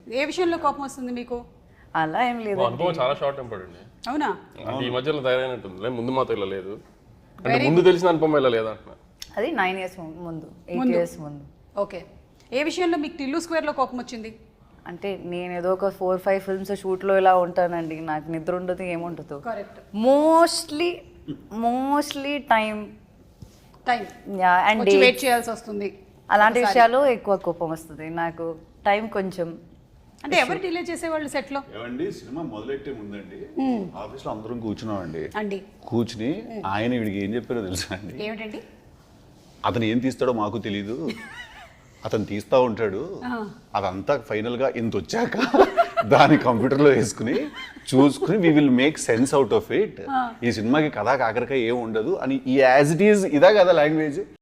ఏ విషయంలో కోపం వస్తుంది మీకు? అలా ఏం లేదు. అనుభవం చాలా షార్ట్ టెంపర్డ్ అండి. అవునా? అంటే ఈ మధ్యలో తయారైనట్టుంది. ముందు మాతో ఇలా లేదు. అంటే ముందు తెలిసిన అనుభవం ఇలా లేదా అంటున్నా. అది 9 years ముందు, 8 years ముందు. ఓకే. ఏ విషయంలో మీకు టిల్లు స్క్వేర్లో కోపం వచ్చింది? అంటే నేను ఏదో ఒక 4-5 ఫిల్మ్స్ షూట్లో ఇలా ఉంటానండి, నాకు నిద్ర ఉండదు, ఏముండదు. Correct. Mostly time and wait చేయాల్సి వస్తుంది. అలాంటి విషయాలు ఎక్కువ కోపం వస్తుంది నాకు. టైం కొంచెం అంటే ఎవరు డిలే చేసేవాళ్ళు సెట్ లో? ఏమండి సినిమా మొదలెట్టే ముందండి ఆఫీస్ లో అందరం కూర్చున్నామండి. అండి కూర్చుని ఆయన వీడికి ఏం చెప్పారో తెలుసా అండి? ఏమిటండి? అతను ఏం తీస్తాడో మాకు తెలీదు, అతను తీస్తా ఉంటాడు, అదంతా ఫైనల్ గా ఇంత వచ్చాక దాని కంప్యూటర్లో వేసుకుని చూసుకుని we will make sense out of it. ఈ సినిమాకి కథా కాకరకాయ ఏం ఉండదు అని ఈ యాజ్ ఇట్ ఈజ్ ఇదా కదా లాంగ్వేజ్.